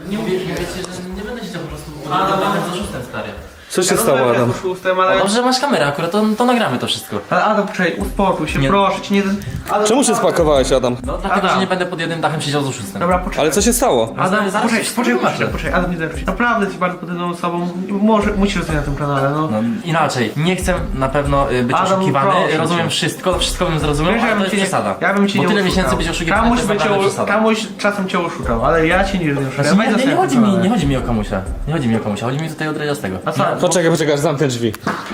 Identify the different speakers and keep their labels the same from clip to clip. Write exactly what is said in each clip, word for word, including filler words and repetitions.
Speaker 1: Nie mówię, mówię ci, że nie będę siedział po prostu pod za szóstym, stary.
Speaker 2: Co się stało, Adam?
Speaker 1: Ale... Dobrze, że masz kamerę akurat, to, to nagramy to wszystko.
Speaker 3: Ale Adam, poczekaj, uspokój się,
Speaker 1: Nie.
Speaker 3: proszę cię, nie... Adam,
Speaker 2: Czemu się spakowałeś, Adam?
Speaker 1: No dlatego,
Speaker 3: Adam.
Speaker 1: że nie będę pod jednym dachem siedział z oszustem.
Speaker 3: Dobra, poczekaj.
Speaker 2: Ale co się stało?
Speaker 3: Adam,
Speaker 1: zaraz
Speaker 3: poczekaj,
Speaker 1: ci
Speaker 3: poczekaj,
Speaker 1: wytłumaczę.
Speaker 3: poczekaj, poczekaj, Adam, nie zerwij. Naprawdę jesteś bardzo podobną osobą, może, musisz zostać na tym kanale, no.
Speaker 1: No inaczej, nie chcę na pewno y, być
Speaker 3: Adam,
Speaker 1: oszukiwany,
Speaker 3: proszę
Speaker 1: rozumiem
Speaker 3: cię.
Speaker 1: wszystko, wszystko bym zrozumiał,
Speaker 3: Wiesz,
Speaker 1: ale
Speaker 3: ja
Speaker 1: to
Speaker 3: bym
Speaker 1: jest
Speaker 3: cię nie,
Speaker 1: przesada.
Speaker 3: ja bym cię
Speaker 1: Bo
Speaker 3: nie
Speaker 1: tyle
Speaker 3: oszukał.
Speaker 1: miesięcy być oszukiwany,
Speaker 3: Kamuś,
Speaker 1: to
Speaker 3: by
Speaker 1: jest
Speaker 3: cię,
Speaker 1: naprawdę przesada.
Speaker 3: kamuś czasem cię oszukał, ale ja cię nigdy nie oszukałem.
Speaker 1: Znaczy,
Speaker 3: Weź
Speaker 1: nie, nie, nie,
Speaker 3: zostań
Speaker 1: chodzi
Speaker 3: na
Speaker 1: mi,
Speaker 3: kanale.
Speaker 1: nie chodzi mi o kamusia. Nie chodzi mi o kamusia, chodzi mi tutaj o dredziastego.
Speaker 3: A co?
Speaker 2: Poczekaj, poczekaj, aż zamknę drzwi.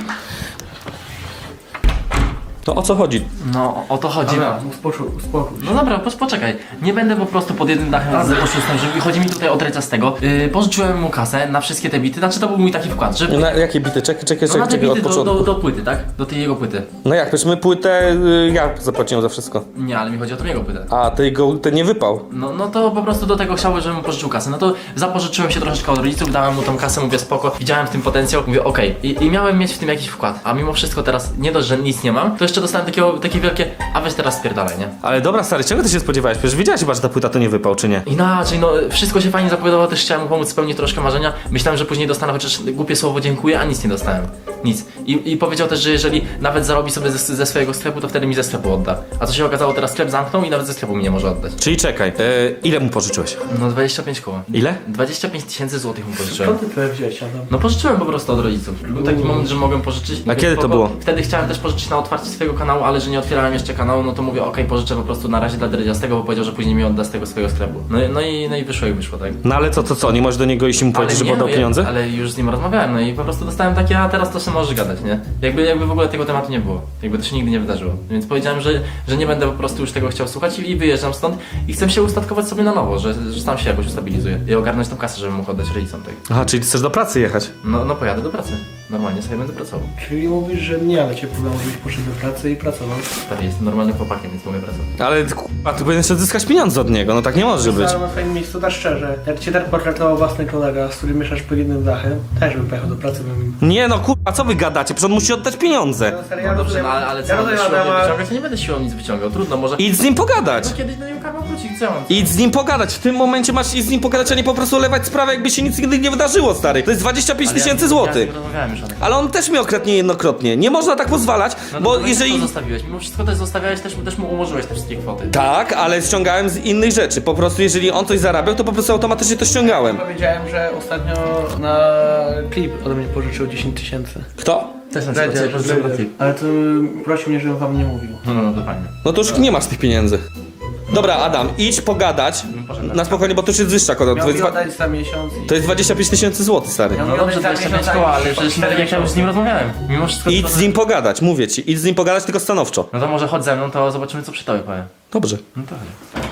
Speaker 2: To o co chodzi?
Speaker 1: No o to chodzi.
Speaker 3: Dobra, uspokój, uspokój się.
Speaker 1: No dobra, po, poczekaj. Nie będę po prostu pod jednym dachem z oszustem, że chodzi mi tutaj o dredziastego. Yy, pożyczyłem mu kasę na wszystkie te bity, znaczy to był mój taki wkład, że...
Speaker 2: Na jakie bity? Czekaj, czekaj,
Speaker 1: No na
Speaker 2: czekaj,
Speaker 1: te
Speaker 2: czekaj, od
Speaker 1: bity do,
Speaker 2: początku.
Speaker 1: do, do płyty, tak? Do tej jego płyty.
Speaker 2: No jak, przecież my płytę, y, ja zapłaciłem za wszystko.
Speaker 1: Nie, ale mi chodzi o tą jego płytę.
Speaker 2: A, ty go, ty nie wypał.
Speaker 1: No, no to po prostu do tego chciałbym, żebym mu pożyczył kasę. No to zapożyczyłem się troszeczkę od rodziców, dałem mu tą kasę, mówię spoko, widziałem w tym potencjał, mówię okej. I, I miałem mieć w tym jakiś wkład. A mimo wszystko teraz nie dość, że nic nie mam, to jeszcze dostałem takiego, takie wielkie, a weź teraz spierdalaj, nie?
Speaker 2: Ale dobra, stary, czego ty się spodziewałeś? Przecież wiedziałeś chyba, że ta płyta to nie wypał, czy nie?
Speaker 1: Inaczej, no wszystko się fajnie zapowiadało, też chciałem mu pomóc spełnić troszkę marzenia. Myślałem, że później dostanę chociaż głupie słowo dziękuję, a nic nie dostałem. Nic. I, i powiedział też, że jeżeli nawet zarobi sobie ze, ze swojego sklepu, to wtedy mi ze sklepu odda. A co się okazało, teraz sklep zamknął i nawet ze sklepu mi nie może oddać.
Speaker 2: Czyli czekaj, y, ile mu pożyczyłeś?
Speaker 1: No dwadzieścia pięć koła.
Speaker 2: Ile?
Speaker 1: dwadzieścia pięć tysięcy złotych mu pożyczyłem.
Speaker 3: Skąd ty tyle wziąłeś, Adam?
Speaker 1: No pożyczyłem po prostu od rodziców. Był taki moment, że mogłem pożyczyć.
Speaker 2: A kiedy to było?
Speaker 1: Wtedy chciałem też pożyczyć na otwarcie swojego kanału, ale że nie otwierałem jeszcze kanału, no to mówię okej, pożyczę po prostu na razie dla dredziastego, bo powiedział, że później mi odda z tego swojego sklepu. No, i- no i no i wyszło jak wyszło, tak?
Speaker 2: No ale co, to co, nie możesz do niego iść i mu powiedzieć, żeby
Speaker 1: nie,
Speaker 2: oddał
Speaker 1: no,
Speaker 2: pieniądze?
Speaker 1: Ja, ale już z nim rozmawiałem, no i po prostu dostałem takie, a teraz to się możesz gadać, nie? Jakby, jakby w ogóle tego tematu nie było. Jakby to się nigdy nie wydarzyło. Więc powiedziałem, że, że nie będę po prostu już tego chciał słuchać i, i wyjeżdżam stąd i chcę się ustatkować sobie na nowo, że, że sam się jakoś ustabilizuję i ogarnąć tą kasę, żeby mógł oddać rodzicom tej.
Speaker 2: Aha, czyli ty chcesz do pracy jechać?
Speaker 1: No, no pojadę do pracy. Normalnie sobie będę pracował.
Speaker 3: Czyli mówisz, że nie, ale cię próbował, żebyś poszedł do pracy i pracował.
Speaker 1: Stary, jestem normalnym chłopakiem, więc mogę pracować.
Speaker 2: Ale k***a, ty powinieneś odzyskać pieniądze od niego, no tak nie może być.
Speaker 3: Ale na twoim miejscu, tak szczerze, jak cię tak potraktował własny kolega, z którym mieszasz pod jednym dachem, też bym pojechał do pracy, bym...
Speaker 2: Nie no kurwa, co wy gadacie? Przecież on musi oddać pieniądze.
Speaker 3: No, serio,
Speaker 1: No
Speaker 3: ja
Speaker 1: dobrze,
Speaker 3: rozumiem,
Speaker 1: no, ale, ale
Speaker 3: ja
Speaker 1: co,
Speaker 3: rozumiem
Speaker 1: będę siłą nie
Speaker 3: Adama,
Speaker 1: wyciągać? Ja nie będę siłą nic wyciągał, trudno, może...
Speaker 2: Idź z nim pogadać.
Speaker 1: No kiedyś do niego karma wróci, co ja mam?
Speaker 2: Idź z nim pogadać, w tym momencie masz iść z nim pogadać, a nie po prostu olewać sprawę, jakby się nic nigdy nie wydarzyło, stary. To jest dwadzieścia pięć
Speaker 1: Ale ja-
Speaker 2: tysięcy
Speaker 1: Ja
Speaker 2: złotych.
Speaker 1: nie rozmawiałem już o tym.
Speaker 2: Ale on też mnie okradnie jednokrotnie. Nie można tak pozwalać,
Speaker 1: No
Speaker 2: bo
Speaker 1: to
Speaker 2: jeżeli...
Speaker 1: to zostawiłeś, mimo wszystko też zostawiałeś, też, też mu ułożyłeś te wszystkie kwoty.
Speaker 2: Tak, ale ściągałem z innych rzeczy. Po prostu jeżeli on coś zarabiał, to po prostu automatycznie to ściągałem.
Speaker 3: powiedziałem, że ostatnio na klip ode mnie pożyczył dziesięć tysięcy.
Speaker 2: Kto?
Speaker 1: Też na
Speaker 3: Dredziarz,
Speaker 1: przykład sobie
Speaker 3: Dredziarz. Ale to prosił mnie, żebym wam nie mówił.
Speaker 1: No, no, no, to fajnie.
Speaker 2: No to już nie masz tych pieniędzy. Dobra, Adam, idź pogadać na spokojnie, bo to już jest wyższa kwota. To
Speaker 3: Miał
Speaker 2: jest,
Speaker 3: mi
Speaker 2: dwa-
Speaker 3: oddać za miesiąc i...
Speaker 2: to jest dwadzieścia pięć tysięcy złotych, stary.
Speaker 3: Ja
Speaker 1: No dobrze, dwadzieścia pięć koła, ale przecież jak ja już z nim rozmawiałem. Mimo wszystko...
Speaker 2: Idź
Speaker 1: to-
Speaker 2: z nim pogadać, mówię ci. Idź z nim pogadać, tylko stanowczo.
Speaker 1: No to może chodź ze mną, to zobaczymy co przy tobie powiem.
Speaker 2: Dobrze.
Speaker 1: No to chodź.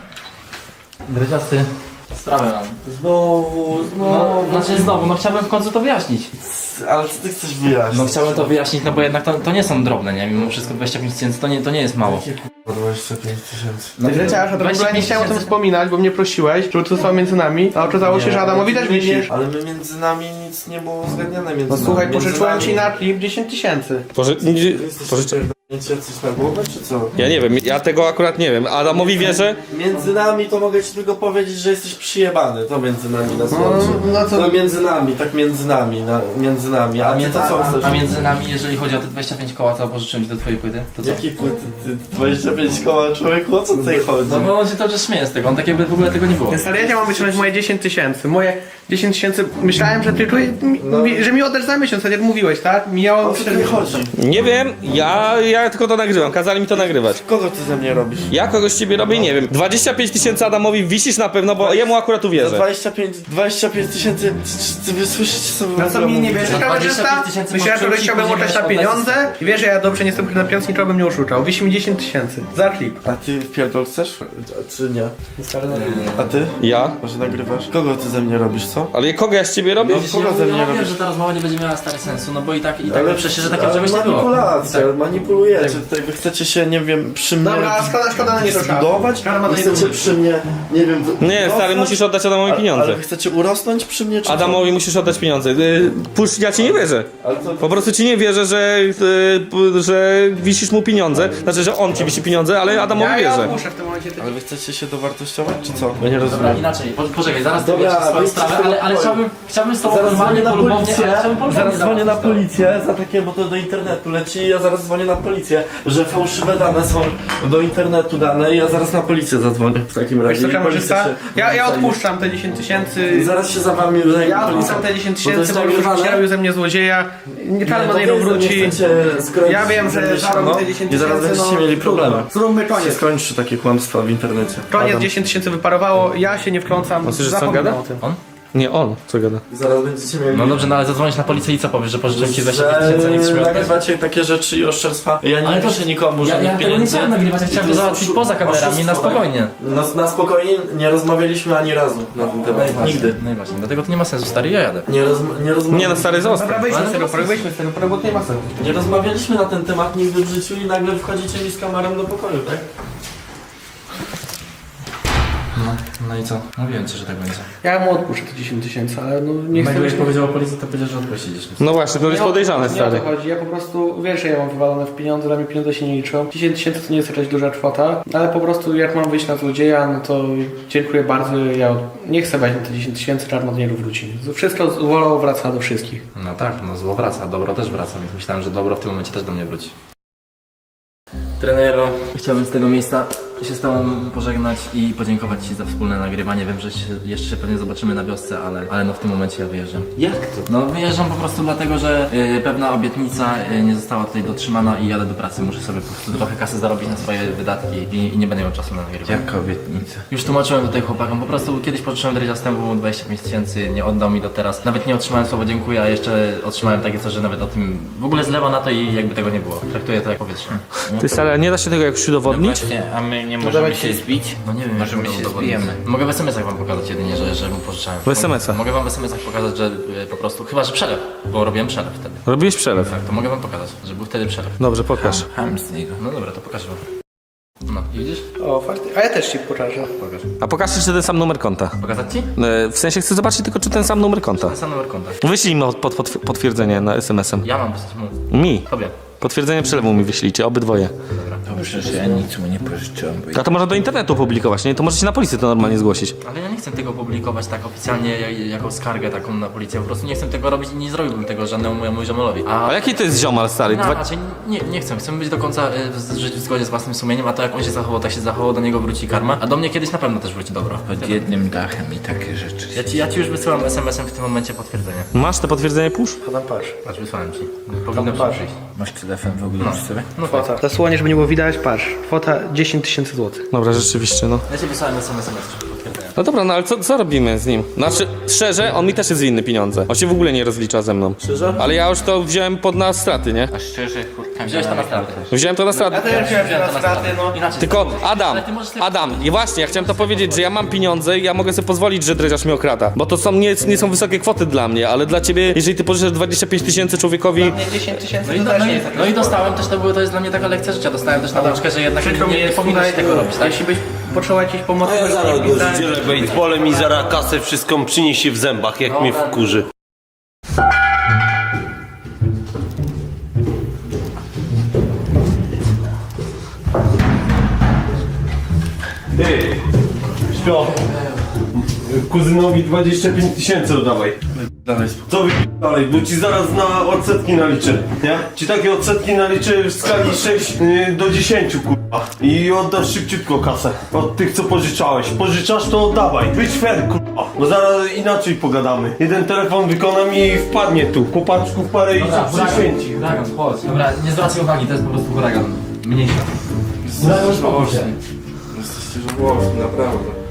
Speaker 1: Dredziasty, sprawę mam.
Speaker 4: Znowu,
Speaker 1: No,
Speaker 4: znowu.
Speaker 1: znaczy znowu, no chciałbym w końcu to wyjaśnić.
Speaker 4: Ale co ty chcesz wyjaśnić?
Speaker 1: No chciałbym to wyjaśnić, no bo jednak to, to nie są drobne, nie? Mimo wszystko dwadzieścia pięć tysięcy to nie, to nie jest mało.
Speaker 4: Jakie kurwa dwadzieścia pięć tysięcy?
Speaker 1: No,
Speaker 3: Ty Dredziarz, a to w ogóle nie chciałem o tym
Speaker 1: tysięcy.
Speaker 3: wspominać, bo mnie prosiłeś, żeby to zostało między nami, a okazało się, że Adamowi też wisisz.
Speaker 4: Ale my między nami nic nie było uzgadniane między
Speaker 3: No
Speaker 4: nami.
Speaker 3: słuchaj,
Speaker 4: Między
Speaker 3: pożyczyłem
Speaker 4: nami-
Speaker 3: ci na klip dziesięć tysięcy.
Speaker 2: Poży...
Speaker 4: Ty jesteś
Speaker 2: Pożyczy...
Speaker 4: pierdolnięcie coś na głowę, czy co?
Speaker 2: Ja nie wiem, ja tego akurat nie wiem. Adamowi wierzę.
Speaker 4: Między nami to mogę ci tylko powiedzieć, że jesteś przyjebany. To między nami na słońcu.
Speaker 3: no to-
Speaker 4: To między nami, tak między nami, na, między nami. A
Speaker 1: A,
Speaker 4: ty
Speaker 1: między,
Speaker 4: to co
Speaker 1: a,
Speaker 4: chcesz?
Speaker 1: a między nami, jeżeli chodzi o te dwadzieścia pięć koła, co pożyczyłem ci do twojej płyty, to co?
Speaker 4: Jakie płyty? Ty dwadzieścia pięć koła, człowieku, o co tutaj chodzi?
Speaker 1: No bo on się to już śmieje z tego, on tak jakby w ogóle tego nie było.
Speaker 3: Więc ale ja mam wyciągnąć moje dziesięć tysięcy. Moje dziesięć tysięcy, myślałem, że ty tu, mi, że mi oddasz za miesiąc, tak jak mówiłeś, tak? Mijało
Speaker 4: O co tu chodzi?
Speaker 2: Nie wiem, ja, ja tylko to nagrywam. Kazali mi to nagrywać.
Speaker 4: Kogo ty ze mnie robisz?
Speaker 2: Ja kogoś z ciebie robię, nie wiem. dwadzieścia pięć tysięcy Adamowi wisisz na pewno, bo jemu akurat
Speaker 4: Za
Speaker 2: uwierzę.
Speaker 4: dwadzieścia pięć, dwadzieścia pięć tysięcy, czy, czy wy słyszycie co wy
Speaker 3: Na
Speaker 4: w
Speaker 3: co
Speaker 4: ogóle
Speaker 3: mi nie
Speaker 4: mówicie?
Speaker 3: wiesz,
Speaker 1: Za dwadzieścia
Speaker 3: kamerzysta?
Speaker 1: pięć tysięcy
Speaker 3: Myślałem, że
Speaker 1: możesz
Speaker 3: chciałbym
Speaker 1: później
Speaker 3: oddać na
Speaker 1: oddać
Speaker 3: pieniądze
Speaker 1: system.
Speaker 3: i wiesz, że ja dobrze nie jestem na pieniądze, nikogo bym nie oszukał. Wisi mi dziesięć tysięcy za klip.
Speaker 4: A ty pierdol chcesz? A czy nie? A ty?
Speaker 2: Ja?
Speaker 4: Może nagrywasz? Kogo ty ze mnie robisz, co? Co?
Speaker 2: Ale kogo ja z ciebie robię?
Speaker 1: Widzisz,
Speaker 4: kogo
Speaker 1: ja,
Speaker 4: ze mnie
Speaker 1: ja wiem,
Speaker 4: robisz?
Speaker 1: że ta rozmowa nie będzie miała stary sensu, no bo i tak, i tak
Speaker 4: Ale
Speaker 1: przecież, że takie
Speaker 4: ale
Speaker 1: czegoś nie było.
Speaker 4: manipulacja,
Speaker 1: I tak,
Speaker 4: manipulujecie. Tutaj wy chcecie się, nie wiem, przy mnie
Speaker 3: Dobra, szkoda, szkoda, nie to
Speaker 4: zbudować?
Speaker 3: Karma
Speaker 4: Wy
Speaker 3: to nie
Speaker 4: chcecie
Speaker 3: lubi.
Speaker 4: przy mnie, nie wiem, wy-
Speaker 2: Nie, stary,
Speaker 4: urosnąć?
Speaker 2: musisz oddać Adamowi
Speaker 4: Ale-
Speaker 2: pieniądze.
Speaker 4: Ale wy chcecie urosnąć przy mnie, czy co?
Speaker 2: Adamowi musisz oddać pieniądze. Yy, Pusz, ja ci nie wierzę.
Speaker 4: Ale to,
Speaker 2: Po prostu ci nie wierzę, że, yy, że wisisz mu pieniądze. Znaczy, że on ci wisi pieniądze, ale Adamowi
Speaker 3: Ja, ja
Speaker 2: wierzę.
Speaker 3: odpuszczę w tym momencie. Ty...
Speaker 4: ale wy chcecie się dowartościować, czy co? Ja nie
Speaker 1: Dobra,
Speaker 4: rozumiem.
Speaker 1: inaczej, po, poczekaj, zaraz
Speaker 4: Dobra,
Speaker 1: Dobra, swoją
Speaker 4: wyjdź
Speaker 1: sprawę,
Speaker 4: z tego
Speaker 1: ale, ale
Speaker 4: pokoju.
Speaker 1: chciałbym, chciałbym z tobą
Speaker 4: Zaraz
Speaker 1: normalnie,
Speaker 4: dzwonię na
Speaker 1: polubownie,
Speaker 4: policję,
Speaker 1: ale chciałbym polubownie
Speaker 4: zaraz dzwonię na
Speaker 1: załatwić to.
Speaker 4: policję za takie, bo to do internetu leci, ja zaraz dzwonię na policję, że fałszywe dane są do internetu dane i ja zaraz na policję zadzwonię w takim
Speaker 3: Wiesz
Speaker 4: razie.
Speaker 3: co,
Speaker 4: i policja
Speaker 3: kamerzysta?
Speaker 4: się
Speaker 3: Ja, ja
Speaker 4: zajmie.
Speaker 3: odpuszczam te dziesięć tysięcy.
Speaker 4: Zaraz się za wami zajmie
Speaker 3: Ja
Speaker 4: policja.
Speaker 3: odpuszczam te dziesięć
Speaker 4: Bo to jest
Speaker 3: tysięcy, bo już
Speaker 4: nagrywane.
Speaker 3: robił ze mnie złodzieja. Nie
Speaker 4: to
Speaker 3: czarno nie
Speaker 4: wy ze mnie
Speaker 3: wróci.
Speaker 4: chcecie skręcić
Speaker 3: Ja wiem, że
Speaker 4: ze mnie
Speaker 3: zarobię
Speaker 4: siano
Speaker 3: te dziesięć
Speaker 4: i zaraz
Speaker 3: tysięcy,
Speaker 4: będziecie
Speaker 3: no,
Speaker 4: mieli problemy.
Speaker 3: Zróbmy
Speaker 4: Się
Speaker 3: koniec.
Speaker 4: skończy takie kłamstwa w internecie.
Speaker 3: Koniec,
Speaker 4: Adam.
Speaker 3: dziesięć tysięcy wyparowało, ja się nie wtrącam.
Speaker 2: On słyszy, co on
Speaker 3: Zapominam
Speaker 2: gada?
Speaker 3: o tym.
Speaker 1: On?
Speaker 2: Nie, on. Co gada?
Speaker 4: I zaraz będziecie mieli...
Speaker 1: No dobrze, no ale zadzwonisz na policję i co powiesz, że pożyczyłem ci dwadzieścia pięć tysięcy, a nie chcesz mi
Speaker 4: że
Speaker 1: oddać?
Speaker 4: nagrywacie takie rzeczy i oszczerstwa. Ja nie
Speaker 1: Ale to
Speaker 4: piszę nikomu,
Speaker 1: Ja,
Speaker 4: żadnych
Speaker 1: ja tego nie
Speaker 4: pieniędzy.
Speaker 1: chciałem nagrywać, ja chciałem
Speaker 4: I
Speaker 1: to
Speaker 4: to
Speaker 1: załatwić
Speaker 4: oszu-
Speaker 1: poza kamerami, na
Speaker 4: oszustwo,
Speaker 1: spokojnie.
Speaker 4: Na, na spokojnie nie rozmawialiśmy ani razu na ten temat. Nigdy.
Speaker 1: No i właśnie, dlatego to nie ma sensu, stary, ja jadę.
Speaker 4: Nie, roz, nie, rozma-
Speaker 2: Nie, no stary, zostaw.
Speaker 3: Dobra, wyjdźmy
Speaker 1: Ale
Speaker 3: z tego,
Speaker 1: to
Speaker 3: pory, wyjdźmy z tego, pory, bo to nie ma sensu.
Speaker 4: nie rozmawialiśmy na ten temat nigdy w życiu i nagle wchodzicie mi z kamerą do pokoju, tak?
Speaker 1: No, no i co? Mówiłem ci, że tak będzie.
Speaker 3: Ja mu odpuszczę te dziesięć tysięcy, ale no nie chcę...
Speaker 1: Jakbyś
Speaker 3: być-
Speaker 1: powiedział policji, to powiedział, że odpuścisz.
Speaker 2: No właśnie, to jest
Speaker 3: Nie o-
Speaker 2: podejrzane,
Speaker 3: Nie o
Speaker 2: stary.
Speaker 3: to chodzi, ja po prostu, wiesz, że ja mam wywalone w pieniądze, dla mnie pieniądze się nie liczą. dziesięć tysięcy to nie jest jakaś duża kwota, ale po prostu jak mam wyjść na złodzieja, no to dziękuję bardzo, ja nie chcę brać na te dziesięć tysięcy, czarno nie wróci. Wszystko zło wraca do wszystkich.
Speaker 1: No tak, no zło wraca, dobro też wraca, więc myślałem, że dobro w tym momencie też do mnie wróci. Trenero, chciałbym z tego miejsca się z tobą pożegnać i podziękować ci za wspólne nagrywanie. Wiem, że się jeszcze się pewnie zobaczymy na wiosce, ale, ale no w tym momencie ja wyjeżdżam.
Speaker 4: Jak to?
Speaker 1: No wyjeżdżam po prostu dlatego, że y, pewna obietnica y, nie została tutaj dotrzymana i jadę do pracy. Muszę sobie po prostu trochę kasy zarobić na swoje wydatki i, i nie będę miał czasu na nagrywanie.
Speaker 4: Jaka obietnica?
Speaker 1: Już tłumaczyłem tutaj chłopakom, po prostu kiedyś pożyczyłem Dreadzia zastępu dwadzieścia pięć tysięcy, nie oddał mi do teraz. Nawet nie otrzymałem słowa dziękuję, a jeszcze otrzymałem takie coś, że nawet o tym w ogóle zlewa na to i jakby tego nie było. Traktuję to jak powietrze.
Speaker 2: Ty, stary, a nie da się tego jakoś udowodnić?
Speaker 5: Właśnie, a my nie możemy się zbić?
Speaker 1: No nie wiem,
Speaker 5: Może
Speaker 1: jak
Speaker 5: my
Speaker 1: mogę
Speaker 5: się
Speaker 1: udowodnić.
Speaker 5: zbijemy.
Speaker 1: Mogę w es em esach wam pokazać jedynie, że, że mu pożyczałem.
Speaker 2: W es em esach?
Speaker 1: Mogę wam w es em esach pokazać, że y, po prostu, chyba że przelew, bo robiłem przelew wtedy.
Speaker 2: Robiłeś przelew.
Speaker 1: Tak, to mogę wam pokazać, że był wtedy przelew.
Speaker 2: Dobrze, pokaż.
Speaker 5: Ham z niego.
Speaker 1: No dobra, to pokażę wam. No, i widzisz?
Speaker 3: O, faktycznie. A ja też ci pokażę.
Speaker 1: Pokaż.
Speaker 2: A pokażcie, czy ten sam numer konta.
Speaker 1: Pokazać ci?
Speaker 2: E, W sensie chcę zobaczyć tylko, czy ten sam numer konta.
Speaker 1: Ten sam numer konta.
Speaker 2: Wyślij mi pod, pod, potwierdzenie na es em esem.
Speaker 1: Ja mam wysłać mu.
Speaker 2: Mi.
Speaker 1: Tobie.
Speaker 2: Potwierdzenie przelewu mi wyślijcie, obydwoje.
Speaker 5: Dobrze, że ja nic mu nie pożyczyłem, bo
Speaker 2: A to można do internetu publikować, nie? To możecie na policję to normalnie zgłosić.
Speaker 1: Ale ja nie chcę tego publikować tak oficjalnie, jak, jako skargę taką na policję. Po prostu nie chcę tego robić i nie zrobiłbym tego żadnemu mojemu ziomelowi. A,
Speaker 2: A jaki to jest ziomal, stary?
Speaker 1: no,
Speaker 2: Dwa...
Speaker 1: raczej nie, nie chcę. Chcę być do końca y, w- żyć w zgodzie z własnym sumieniem, a to jak on się zachował, tak się zachował, do niego wróci karma, a do mnie kiedyś na pewno też wróci dobro.
Speaker 5: pod jednym dachem i takie rzeczy.
Speaker 1: Ja ci, ja ci już wysyłam es em esem w tym momencie potwierdzenie.
Speaker 2: Masz te potwierdzenie push?
Speaker 3: Podam patrz.
Speaker 1: Patrz, wysłałem ci. Powinno
Speaker 3: patrz.
Speaker 1: przyjść.
Speaker 5: Masz telefon w ogóle przy sobie?
Speaker 1: No tak.
Speaker 3: Kwota. Zasłonię, żeby nie było widać, patrz. Kwota dziesięć tysięcy złotych.
Speaker 2: Dobra, rzeczywiście, no.
Speaker 1: Ja ci wysłałem es em esem potwierdzenie.
Speaker 2: No dobra, no ale co, co robimy z nim? Znaczy, szczerze, on mi też jest winny pieniądze. On się w ogóle nie rozlicza ze mną.
Speaker 4: Szczerze?
Speaker 2: Ale ja już to wziąłem pod na straty, nie?
Speaker 5: A szczerze, kurka,
Speaker 1: Wziąłeś to na stratę.
Speaker 2: Wziąłem to na straty.
Speaker 3: Ja też wziąłem się na straty, no.
Speaker 1: Inaczej.
Speaker 2: Tylko Adam,
Speaker 1: Ale ty możesz sobie-
Speaker 2: Adam, i właśnie, ja chciałem to powiedzieć, że ja mam pieniądze i ja mogę sobie pozwolić, że dreziarz mnie okrada. Bo to są, nie, nie są wysokie kwoty dla mnie, ale dla ciebie, jeżeli ty pożyczasz dwadzieścia pięć tysięcy człowiekowi...
Speaker 3: Nie dziesięć tysięcy
Speaker 1: No i,
Speaker 3: to
Speaker 1: do,
Speaker 3: też
Speaker 1: no,
Speaker 3: nie
Speaker 1: i,
Speaker 3: jest taka
Speaker 1: no i
Speaker 3: kwota.
Speaker 1: dostałem też, to, było, to jest dla mnie taka lekcja życia. Dostałem też nauczkę, że jednak
Speaker 3: Przykro mi
Speaker 1: nie, nie
Speaker 3: jest,
Speaker 1: powinieneś
Speaker 3: tutaj,
Speaker 1: tego robić, tak?
Speaker 3: Jeśli byś potrzebował jakiejś pomocy,
Speaker 6: A ja
Speaker 3: to
Speaker 6: zaraz
Speaker 3: nie
Speaker 6: go
Speaker 3: pisałem.
Speaker 6: zdzielę baseballem i zaraz kasę wszystką przyniesie w zębach, jak mnie wkurzy. Ty, śpio. Kuzynowi dwadzieścia pięć tysięcy oddawaj.
Speaker 4: Dalej.
Speaker 6: Co wy dalej, bo ci zaraz na odsetki naliczę, nie? Ci takie odsetki naliczę w skali sześć y, do dziesięciu, kurwa. I oddasz szybciutko kasę od tych, co pożyczałeś. Pożyczasz, to oddawaj. Być fair, kurwa. Bo zaraz inaczej pogadamy. Jeden telefon wykonam i wpadnie tu. Chłopaczków parę i się przyświęci.
Speaker 1: Huragan, chodź. Dobra, nie zwracaj uwagi, to jest po prostu huragan. Mniejsza.
Speaker 4: Jesteście żałośni, naprawdę.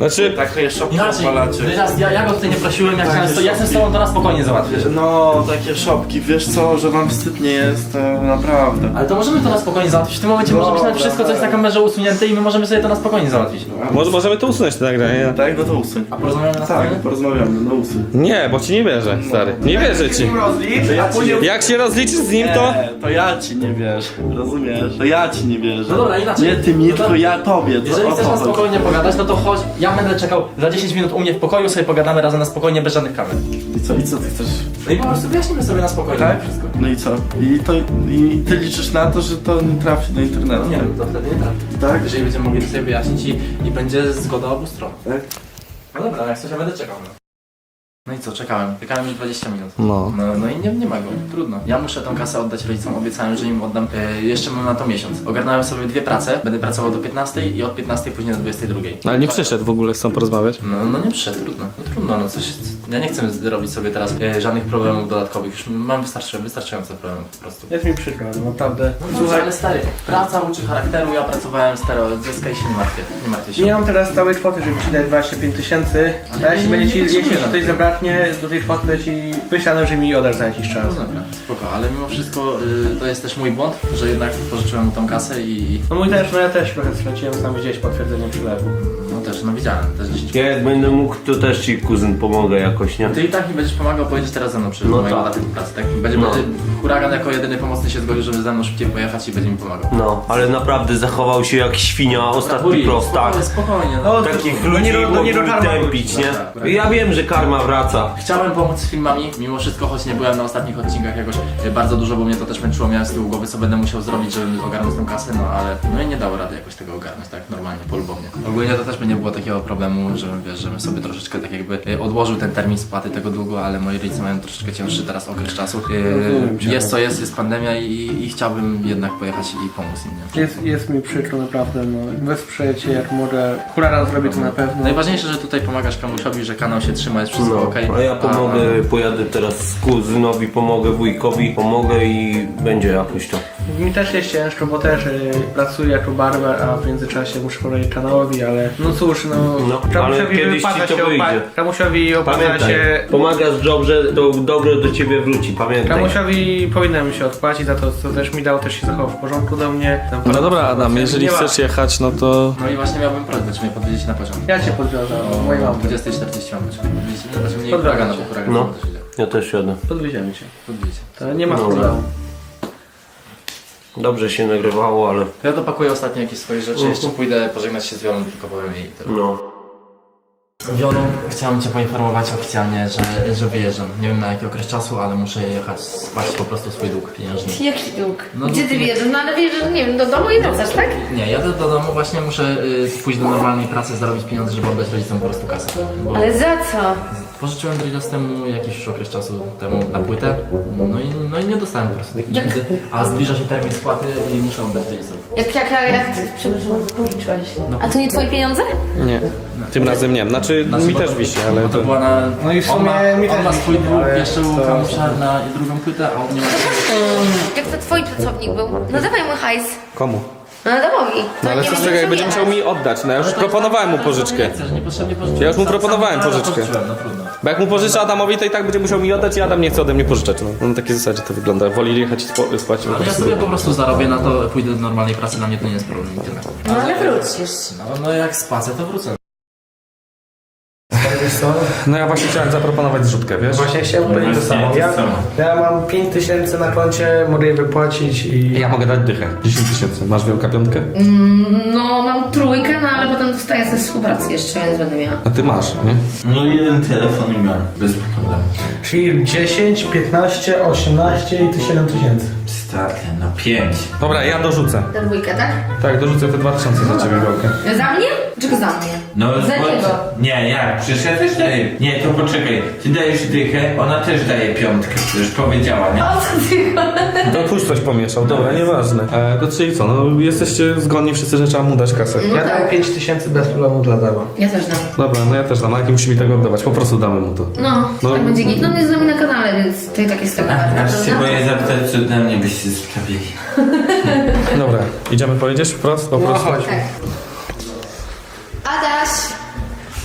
Speaker 2: Znaczy,
Speaker 4: Takie szopki
Speaker 1: Inaczej,
Speaker 4: odwalacie.
Speaker 1: Dredzias, ja, ja go tutaj nie prosiłem, ja chciałem, ja chcę z tobą to na spokojnie załatwić.
Speaker 4: No, takie szopki, wiesz co, że wam wstyd nie jest, to naprawdę.
Speaker 1: Ale to możemy to na spokojnie załatwić. W tym momencie może być nawet wszystko, co jest na kamerze usunięte i my możemy sobie to na spokojnie załatwić.
Speaker 2: może możemy to usunąć te nagranie.
Speaker 4: Tak, no to usuń.
Speaker 1: A porozmawiamy na spokojnie?
Speaker 4: Tak, porozmawiamy, no usuń.
Speaker 2: Nie, bo ci nie wierzę, stary. Nie wierzę ci.
Speaker 4: Ja później...
Speaker 2: Jak się rozliczysz z nim, to...
Speaker 4: Nie, to ja ci nie wierzę, rozumiesz? To ja ci nie wierzę.
Speaker 1: No dobra, inaczej.
Speaker 4: Nie ty mi,
Speaker 1: No to-
Speaker 4: tylko ja tobie. To
Speaker 1: Jeżeli
Speaker 4: o
Speaker 1: chcesz
Speaker 4: to
Speaker 1: na
Speaker 4: chodzi.
Speaker 1: spokojnie pogadać, no to chodź, ja będę czekał za dziesięć minut u mnie w pokoju, sobie pogadamy razem na spokojnie, bez żadnych kamer.
Speaker 4: I co, i co ty chcesz?
Speaker 1: No i po prostu wyjaśnimy sobie na spokojnie
Speaker 4: Tak?
Speaker 1: wszystko.
Speaker 4: No i co? I, to, I ty liczysz na to, że to nie trafi do internetu?
Speaker 1: Nie wiem, to wtedy nie trafi.
Speaker 4: Tak?
Speaker 1: Jeżeli będziemy mogli to sobie wyjaśnić i, i będzie zgoda obu stron.
Speaker 4: Tak?
Speaker 1: No dobra, jak coś ja będę czekał. No. No i co, czekałem. Czekałem już dwadzieścia minut.
Speaker 2: No.
Speaker 1: No, no i nie, nie ma go, trudno. Ja muszę tą kasę oddać rodzicom, obiecałem, że im oddam. E, jeszcze mam na to miesiąc. Ogarnąłem sobie dwie prace, będę pracował do piętnastej i od piętnastej później do dwudziestej drugiej.
Speaker 2: Ale nie przyszedł w ogóle, chcą porozmawiać.
Speaker 1: No, no nie przyszedł, trudno. No trudno, no coś. Ja nie chcę robić sobie teraz e, żadnych problemów dodatkowych. Już mam wystarczy, wystarczająco problemów po prostu.
Speaker 3: Jest mi przykro, no naprawdę.
Speaker 1: No, Słuchaj, ale stary, praca uczy charakteru, ja pracowałem stero, zyskaj się nie martwię, nie martwię się.
Speaker 3: Nie mam teraz całej kwoty, żeby ci dać dwadzieścia pięć tysięcy, a jeśli
Speaker 1: nie,
Speaker 3: będzie ci,
Speaker 1: nie
Speaker 3: jeśli
Speaker 1: potrzebuję
Speaker 3: coś
Speaker 1: na
Speaker 3: zabraknie do tej kwoty, to ci wyślę, że mi oddasz za jakiś czas.
Speaker 1: No dobra, spoko, ale mimo wszystko y, to jest też mój błąd, że jednak pożyczyłem mu tą kasę i...
Speaker 3: No mój też, no ja też trochę straciłem, sam gdzieś potwierdzenie przelewu.
Speaker 1: No też, no widziałem, też dziesięć.
Speaker 6: Ja jak będę mógł, to też ci kuzyn pomogę jakoś, nie?
Speaker 1: Ty i tak mi będziesz pomagał, pojedziesz teraz ze mną przy
Speaker 6: No
Speaker 1: mojej
Speaker 6: tak.
Speaker 1: dodatku pracy, tak? Będzie,
Speaker 6: No.
Speaker 1: będzie huragan jako jedyny pomocny się zgodził, żeby ze mną szybciej pojechać i będzie mi pomagał.
Speaker 6: No, ale naprawdę zachował się jak świnia, ostatni
Speaker 1: Wujek,
Speaker 6: prostak.
Speaker 1: spokojnie, spokojnie.
Speaker 3: No,
Speaker 1: No.
Speaker 6: Takich
Speaker 3: no
Speaker 6: ludzi
Speaker 3: nie, no nie
Speaker 6: mogli
Speaker 3: do karma
Speaker 6: tępić, nie?
Speaker 1: Tak, tak.
Speaker 6: Ja wiem, że karma wraca.
Speaker 1: Chciałem pomóc z filmami, mimo wszystko, choć nie byłem na ostatnich odcinkach jakoś y, bardzo dużo, bo mnie to też męczyło, miałem z tyłu głowy, co będę musiał zrobić, żeby ogarnąć tę kasę, no ale no i nie dało rady jakoś tego ogarnąć, tak normalnie, polubownie. Ogólnie to też by nie było takiego problemu, że wiesz, żebym sobie troszeczkę tak jakby y, odłożył ten termin spłaty tego długu, ale moi rodzice mają troszeczkę cięższy teraz okres czasu.
Speaker 3: Rozumiem
Speaker 1: Y,
Speaker 3: cię.
Speaker 1: jest co jest, jest pandemia i, i chciałbym jednak pojechać i pomóc im, nie?
Speaker 3: Jest, jest mi przykro naprawdę, no wesprzeję cię jak mogę. Huragan zrobię to na pewno.
Speaker 1: Najważniejsze, że tutaj pomagasz komusiowi, że kanał się trzyma, jest wszystko
Speaker 6: No,
Speaker 1: okej.
Speaker 6: a ja pomogę, pojadę teraz z kuzynowi, pomogę wujkowi, pomogę i będzie jakoś to.
Speaker 3: Mi też jest ciężko, bo też y, pracuję jako barber, a w międzyczasie muszę powiedzieć kanałowi, ale no cóż, no,
Speaker 6: No,
Speaker 3: Kamusiowi
Speaker 6: ale kiedyś
Speaker 3: wypada
Speaker 6: ci to
Speaker 3: się
Speaker 6: wyjdzie.
Speaker 3: opa- Kamusiowi opłaca
Speaker 6: Pamiętaj,
Speaker 3: się...
Speaker 6: pomagasz dobrze, to dobro do ciebie wróci, pamiętaj.
Speaker 3: Kamusiowi powinienem się odpłacić za to, co też mi dał, też się zachował w porządku do mnie. Tam
Speaker 2: No dobra, Adam, jeżeli
Speaker 3: Nie ma.
Speaker 2: chcesz jechać, no to...
Speaker 1: No i właśnie miałbym prośbę, czy mnie podwiedzieć na pociąg.
Speaker 3: Ja cię podwiązałem,
Speaker 1: O
Speaker 3: moje mam.
Speaker 1: dwudziestej czterdzieści mam być. Podwiedzieć, no, znaczy mnie
Speaker 3: Podwiozę
Speaker 1: huragan,
Speaker 3: cię.
Speaker 1: bo huragan
Speaker 6: No.
Speaker 1: też idzie.
Speaker 6: Ja też jadę.
Speaker 3: Podwieziemy cię.
Speaker 1: Podwiedzieć.
Speaker 3: To nie ma
Speaker 6: Dobra.
Speaker 3: problemu.
Speaker 6: Dobrze się nagrywało, ale
Speaker 1: Ja dopakuję ostatnio jakieś swoje rzeczy, jeszcze pójdę pożegnać się z Wiolą, tylko powiem jej tyle.
Speaker 6: no.
Speaker 1: Wiolu, chciałem Cię poinformować oficjalnie, że, że wyjeżdżam. Nie wiem na jaki okres czasu, ale muszę jechać spłacić po prostu swój dług pieniężny.
Speaker 7: Jaki dług?
Speaker 1: No,
Speaker 7: Gdzie
Speaker 1: no,
Speaker 7: ty
Speaker 1: nie-
Speaker 7: wjeżdżasz? No ale wjeżdżasz, nie wiem, do domu i wracasz, tak?
Speaker 1: Nie, jadę do domu, właśnie muszę y, pójść do normalnej pracy, zarobić pieniądze, żeby oddać rodzicom po prostu kasę. Bo
Speaker 7: Ale za co?
Speaker 1: pożyczyłem Dredzias temu jakiś już okres czasu temu na płytę, no i, no i nie dostałem po prostu tych pieniędzy, a zbliża się termin spłaty i muszę oddać rodzicom.
Speaker 7: Jak, jak, jak, jak przepraszam, policzyłeś. A to nie twoje pieniądze?
Speaker 2: Nie. Tym razem nie. Znaczy, mi też wisi, ale
Speaker 1: No
Speaker 2: to...
Speaker 1: to była na...
Speaker 3: No i w
Speaker 1: on
Speaker 3: sumie
Speaker 1: ma,
Speaker 3: mi
Speaker 1: on
Speaker 3: też
Speaker 1: ma
Speaker 3: nie
Speaker 1: swój
Speaker 3: wiem,
Speaker 1: dług
Speaker 3: ale
Speaker 1: jeszcze u
Speaker 3: to-
Speaker 1: Kamusza na drugą płytę, a on nie ma...
Speaker 7: Jak to twój pracownik był? No dawaj mu hajs.
Speaker 2: Komu?
Speaker 7: No Adamowi.
Speaker 2: No ale
Speaker 7: nie
Speaker 2: co
Speaker 7: ma
Speaker 2: z tego, jak
Speaker 7: co
Speaker 2: będzie musiał
Speaker 7: jechać.
Speaker 2: mi oddać, no ja już proponowałem mu pożyczkę.
Speaker 1: Nie chcesz, niepotrzebnie pożyczyłem.
Speaker 2: Ja już mu
Speaker 1: Sam-
Speaker 2: proponowałem
Speaker 1: sam
Speaker 2: pożyczkę.
Speaker 1: pożyczyłem, no trudno.
Speaker 2: Bo jak mu pożyczę Adamowi, to i tak będzie musiał mi oddać i Adam nie chce ode mnie pożyczać. No, no na takiej zasadzie to wygląda. Woli jechać i spo- spłacić po
Speaker 1: Ale ja
Speaker 2: prostu.
Speaker 1: sobie po prostu zarobię na to, pójdę do normalnej pracy, dla mnie to nie jest problem i tyle.
Speaker 7: No ale wrócisz.
Speaker 1: No, no jak spłacę, to wrócę.
Speaker 3: Wiesz co?
Speaker 2: No ja właśnie chciałem zaproponować zrzutkę, wiesz?
Speaker 3: Właśnie chciałem powiedzieć to samo. Ja, ja mam pięć tysięcy na koncie, mogę je wypłacić i...
Speaker 2: Ja mogę dać dychę. dziesięć tysięcy. Masz wielka piątkę?
Speaker 7: No mam trójkę, no ale potem dostaję ze współpracy jeszcze, więc będę miała.
Speaker 2: A ty masz, nie?
Speaker 5: No jeden telefon i mam, bez problemu.
Speaker 3: Czyli dziesięć, piętnaście, osiemnaście i ty siedem tysięcy.
Speaker 5: Stary, no pięć.
Speaker 2: Dobra, ja dorzucę.
Speaker 7: Ta dwójka, tak?
Speaker 2: Tak, dorzucę te dwa tysiące za ciebie wielkę.
Speaker 7: Za mnie? Czego za mnie?
Speaker 5: No
Speaker 7: Za
Speaker 5: bo-
Speaker 7: niego.
Speaker 5: Nie, jak? Przecież ja też daję. Nie, to poczekaj. Ty dajesz dychę, ona też daje piątkę. Już powiedziała, nie?
Speaker 7: O co ty?
Speaker 2: To tuż coś pomieszał, dobra, nieważne. E, to czyli co, no jesteście zgodni wszyscy, że trzeba mu dać kasę.
Speaker 7: No
Speaker 3: Ja dam
Speaker 7: tak.
Speaker 3: pięć tysięcy bez problemu dla Dama.
Speaker 7: Ja też dam.
Speaker 2: Dobra, no ja też dam, a jaki musi mi tego oddawać? Po prostu damy mu to.
Speaker 7: No,
Speaker 2: No.
Speaker 7: tak będzie git. No nie z nami na kanale, więc to i tak jest tego warta,
Speaker 5: Aż się
Speaker 7: prawda?
Speaker 5: boję zapytać, co dla mnie byście sprawili.
Speaker 2: Dobra, idziemy powiedzieć wprost? Po prostu?
Speaker 3: chodź.
Speaker 7: Tak. Adaś!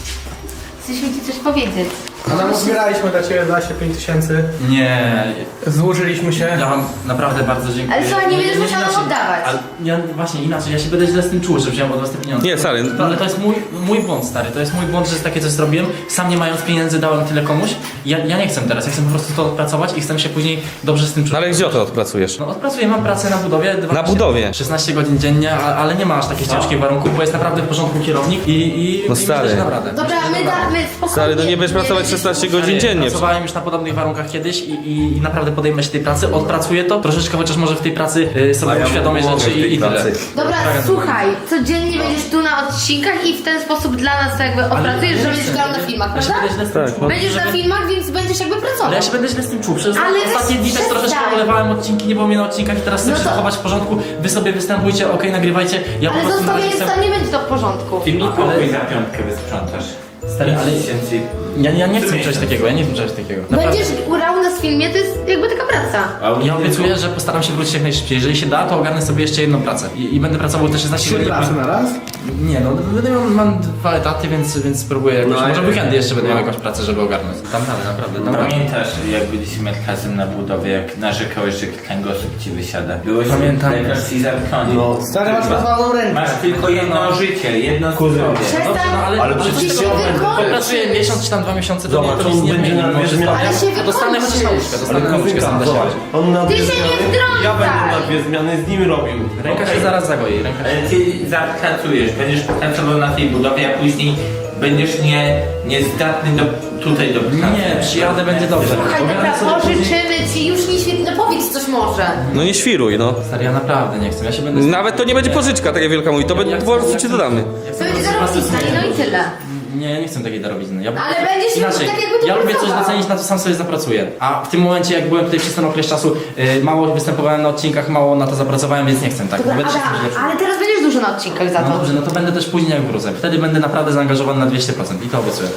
Speaker 7: ci coś powiedzieć.
Speaker 3: A nam zbieraliśmy dla ciebie dwadzieścia pięć tysięcy.
Speaker 1: Nie,
Speaker 3: Złożyliśmy się.
Speaker 1: ja wam naprawdę bardzo dziękuję.
Speaker 7: Ale słuchaj, nie będziesz musiał nam
Speaker 1: inaczej-
Speaker 7: oddawać.
Speaker 1: Ale ja właśnie inaczej, ja się będę źle z tym czuł, że wziąłem od was te pieniądze.
Speaker 2: Nie, stary.
Speaker 1: To, ale to jest mój, mój błąd, stary, to jest mój błąd, że takie coś zrobiłem. Sam nie mając pieniędzy dałem tyle komuś. Ja, ja nie chcę teraz, ja chcę po prostu to odpracować i chcę się później dobrze z tym czuć.
Speaker 2: No ale gdzie to odpracujesz?
Speaker 1: No odpracuję, mam pracę na budowie. dwanaście
Speaker 2: Na budowie?
Speaker 1: szesnaście godzin dziennie, a, ale nie ma aż takich ciężkich warunków, bo jest naprawdę w porządku kierownik i, i,
Speaker 2: No
Speaker 1: i
Speaker 2: stary.
Speaker 1: myślę, że dam radę.
Speaker 7: Dobra,
Speaker 1: Myślę, że
Speaker 7: my,
Speaker 1: dam
Speaker 7: da,
Speaker 1: radę.
Speaker 7: my spokojnie.
Speaker 2: Stary, no nie będziesz pracować
Speaker 7: będziesz
Speaker 2: szesnaście
Speaker 7: musiał-
Speaker 2: godzin dziennie.
Speaker 1: Pracowałem już na podobnych warunkach kiedyś i, i, i naprawdę podejmę się tej pracy, odpracuję to, troszeczkę chociaż może w tej pracy y, sobie uświadomię rzeczy i, i tyle.
Speaker 7: Dobra,
Speaker 1: Tak,
Speaker 7: słuchaj, codziennie będziesz tu na odcinkach i w ten sposób dla nas to jakby opracujesz, że będziesz grał na filmach,
Speaker 1: Ja się
Speaker 7: prawda?
Speaker 1: będę źle z tym czuł.
Speaker 7: Będziesz na
Speaker 1: żeby-
Speaker 7: filmach, więc będziesz jakby pracował.
Speaker 1: Ale ja się będę źle z tym czuł. Przez
Speaker 7: Ale
Speaker 1: ostatnie
Speaker 7: weź
Speaker 1: dni też troszeczkę
Speaker 7: przestań.
Speaker 1: olewałem odcinki, nie było mnie na odcinkach i teraz chcę
Speaker 7: No
Speaker 1: się
Speaker 7: to-
Speaker 1: zachować w porządku. Wy sobie występujcie, okej, nagrywajcie. Ja po
Speaker 7: Ale
Speaker 1: prostu na razie
Speaker 7: zostawiając
Speaker 1: chcę...
Speaker 7: tam nie będzie to w porządku.
Speaker 5: Ty mi pokój za piątkę wysprzątasz.
Speaker 1: Stary, ale
Speaker 5: tysięcy.
Speaker 1: ja, ja nie chcę czegoś takiego, ja nie chcę czegoś takiego. Naprawdę.
Speaker 7: Będziesz grał nas w filmie, to jest jakby taka praca.
Speaker 1: Ja obiecuję, że postaram się wrócić jak najszybciej. Jeżeli się da, to ogarnę sobie jeszcze jedną pracę. I, i będę pracował te szesnaście
Speaker 3: Trzy
Speaker 1: godzin.
Speaker 3: prace na raz?
Speaker 1: Nie no, będę miał, mam dwa etaty, więc, więc spróbuję jakoś.
Speaker 6: No,
Speaker 1: może
Speaker 6: ja-
Speaker 1: weekendy jeszcze będę miał jakąś pracę, żeby ogarnąć. Tam dalej, naprawdę. Tam dalej.
Speaker 5: Pamiętasz, jak byliśmy razem na budowie, jak narzekałeś, że kręgosłup ci wysiada? Byłeś
Speaker 1: Pamiętam.
Speaker 5: lekarz i zamkniony.
Speaker 6: No.
Speaker 3: Stary, masz rozwaloną rękę.
Speaker 5: Masz tylko jedno życie, jedno zdrowie.
Speaker 7: Przestań,
Speaker 1: no, ale-
Speaker 6: Ale
Speaker 1: ale
Speaker 6: przecież
Speaker 7: ty się
Speaker 1: Popracuję
Speaker 7: wykończysz.
Speaker 1: miesiąc czy tam dwa miesiące, to
Speaker 6: Zobacz,
Speaker 1: nie, to
Speaker 6: on
Speaker 1: nic nie
Speaker 6: będzie
Speaker 1: zmieni.
Speaker 6: na dwie
Speaker 1: Może
Speaker 6: zmiany.
Speaker 7: Ale się
Speaker 1: A dostanę chociaż na łóżkę, dostanę na łóżkę, sam da się.
Speaker 6: zobacz, on na
Speaker 7: Ty
Speaker 6: dwie
Speaker 7: się nie
Speaker 6: zmiany,
Speaker 7: wtrącaj.
Speaker 6: ja będę na dwie zmiany z nim robił.
Speaker 1: Ręka się
Speaker 5: Okej.
Speaker 1: zaraz zagoi, ręka się...
Speaker 5: Ale ty zapracujesz, będziesz pracował na tej budowie, a później będziesz nie, niezdatny do, tutaj do pracy.
Speaker 1: Nie, przyjadę, będzie dobrze.
Speaker 7: Słuchaj,
Speaker 1: Ogarnę
Speaker 7: dobra,
Speaker 1: sobie później-
Speaker 7: pożyczymy ci, już nie świetnie, no powiedz coś może.
Speaker 2: No nie świruj, no.
Speaker 1: Stary, ja naprawdę nie chcę, ja się będę...
Speaker 2: Nawet to nie będzie pożyczka, tak jak Wielka mówi, to
Speaker 1: Ja
Speaker 2: będzie
Speaker 1: chcę-
Speaker 2: po prostu
Speaker 1: ja
Speaker 2: ci
Speaker 1: chcę-
Speaker 2: dodamy.
Speaker 1: ja chcę
Speaker 7: To będzie
Speaker 1: po prostu
Speaker 7: zarobista, no i tyle.
Speaker 1: Nie, ja nie chcę takiej darowizny. Ja,
Speaker 7: Ale będziesz
Speaker 1: inaczej.
Speaker 7: tak jakby tu
Speaker 1: Ja lubię coś
Speaker 7: pracował.
Speaker 1: docenić, na co sam sobie zapracuję. A w tym momencie, jak byłem tutaj przez ten okres czasu, y, mało występowałem na odcinkach, mało na to zapracowałem, więc nie chcę tak.
Speaker 7: Dobra,
Speaker 1: Będę się
Speaker 7: Adam,
Speaker 1: czuć lepszy.
Speaker 7: ale teraz będziesz dużo na odcinkach za
Speaker 1: No
Speaker 7: to.
Speaker 1: dobrze, no to będę też później jak wrócę. Wtedy będę naprawdę zaangażowany na dwieście procent i to obiecuję.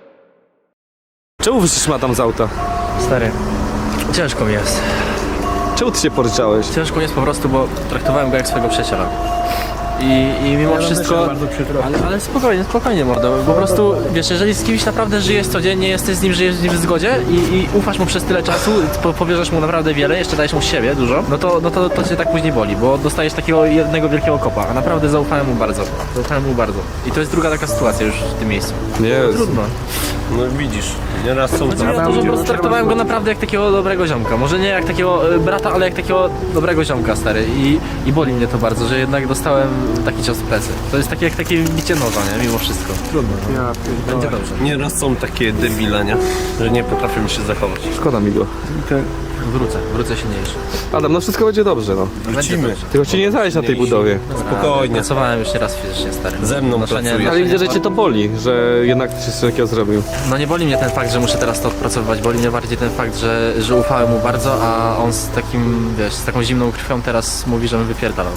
Speaker 2: Czemu wyszliśmy tam z auta?
Speaker 1: Stary, ciężko mi jest.
Speaker 2: Czemu ty się poryczałeś?
Speaker 1: Ciężko mi jest po prostu, bo traktowałem go jak swojego przyjaciela. I, i mimo wszystko...
Speaker 3: Bardzo przykro.
Speaker 1: Ale, ale spokojnie, spokojnie mordo, po prostu, wiesz, jeżeli z kimś naprawdę żyjesz codziennie, jesteś z nim, żyjesz z nim w zgodzie i, i ufasz mu przez tyle czasu, po, powierzasz mu naprawdę wiele, jeszcze dajesz mu siebie dużo, no to, no to, to cię tak później boli, bo dostajesz takiego jednego wielkiego kopa, a naprawdę zaufałem mu bardzo, zaufałem mu bardzo. I to jest druga taka sytuacja już w tym miejscu.
Speaker 2: Nie,
Speaker 1: Trudno.
Speaker 6: No widzisz, nieraz są
Speaker 1: Chodzi mi o to, że po prostu traktowałem go naprawdę jak takiego dobrego ziomka. Może nie jak takiego y, brata, ale jak takiego dobrego ziomka, stary. I, i boli mnie to bardzo, że jednak dostałem taki cios w plecy. To jest takie jak takie bicie noża, nie? Mimo wszystko. Trudno. No. Będzie dobrze.
Speaker 6: Nieraz są takie debile, nie? Że nie potrafią się zachować.
Speaker 2: szkoda mi go.
Speaker 1: Wrócę, wrócę silniejszy.
Speaker 2: Adam, no wszystko będzie dobrze, no.
Speaker 6: Wrócimy.
Speaker 2: Tylko ci nie zajść na tej budowie.
Speaker 6: Spokojnie.
Speaker 1: Pracowałem już nieraz fizycznie, stary.
Speaker 6: Ze mną
Speaker 1: Noszenie-
Speaker 6: pracujesz.
Speaker 2: Ale widzę, że cię to boli, że jednak ty coś takiego zrobił.
Speaker 1: No nie boli mnie ten fakt, że muszę teraz to odpracowywać, boli mnie bardziej ten fakt, że, że ufałem mu bardzo, a on z takim, wiesz, z taką zimną krwią teraz mówi, że mnie wypierdalał.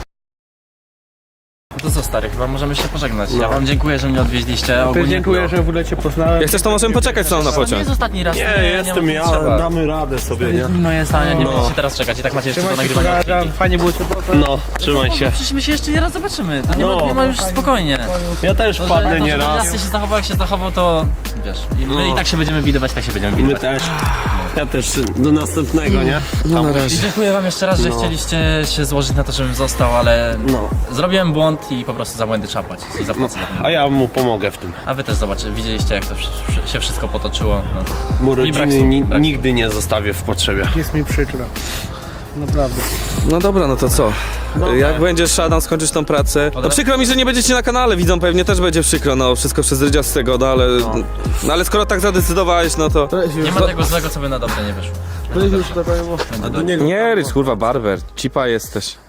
Speaker 1: No to co, stary, chyba możemy się pożegnać. Ja wam dziękuję, że mnie odwieźliście. Ogólnie,
Speaker 3: Dziękuję, że w ogóle cię poznałem.
Speaker 2: Jak chcesz, to możemy poczekać sam na
Speaker 1: To nie
Speaker 2: pociąg.
Speaker 1: jest ostatni raz.
Speaker 6: Nie, jestem
Speaker 1: nie,
Speaker 6: ja,
Speaker 1: trzeba.
Speaker 6: damy radę sobie, nie?
Speaker 1: Moje zdanie, nie
Speaker 6: No.
Speaker 1: będziecie teraz czekać i tak macie jeszcze do
Speaker 3: Trzymaj się,
Speaker 1: nagrywania.
Speaker 3: kochana, fajnie było cię poznać.
Speaker 6: No, trzymaj się.
Speaker 1: Przecież my się jeszcze nie raz zobaczymy, to nie,
Speaker 6: No.
Speaker 1: ma, nie ma już spokojnie.
Speaker 6: Ja też
Speaker 1: To, że,
Speaker 6: wpadnę
Speaker 1: to, że
Speaker 6: nieraz.
Speaker 1: raz się zachował, jak się zachował, to wiesz, i my
Speaker 6: No.
Speaker 1: i tak się będziemy widywać, tak się będziemy
Speaker 6: My
Speaker 1: widywać.
Speaker 6: też. Ja też. Do następnego, nie?
Speaker 2: No na razie.
Speaker 1: I dziękuję wam jeszcze raz, że
Speaker 6: No.
Speaker 1: chcieliście się złożyć na to, żebym został, ale
Speaker 6: No.
Speaker 1: zrobiłem błąd i po prostu za błędy trzeba płacić i zapłacę za to.
Speaker 6: A ja mu pomogę w tym.
Speaker 1: A wy też zobaczycie, widzieliście jak to wsz- się wszystko potoczyło. No.
Speaker 6: Mu
Speaker 1: I brak
Speaker 6: rodziny
Speaker 1: słów,
Speaker 6: ni-
Speaker 1: brak
Speaker 6: nigdy nie zostawię w potrzebie.
Speaker 3: Jest mi przykro. Naprawdę.
Speaker 2: No dobra, no to co? Jak będziesz, Adam, skończysz tą pracę? No przykro mi, że nie będziecie na kanale, widzom pewnie też będzie przykro, no wszystko przez Rydzia z tego, no ale... No ale skoro tak zadecydowałeś, no to...
Speaker 1: Nie ma tego złego, co by na dobre nie wyszło.
Speaker 3: To już tutaj powiem.
Speaker 6: A do niego
Speaker 2: Nie, Rydz, kurwa, barber, cipa jesteś.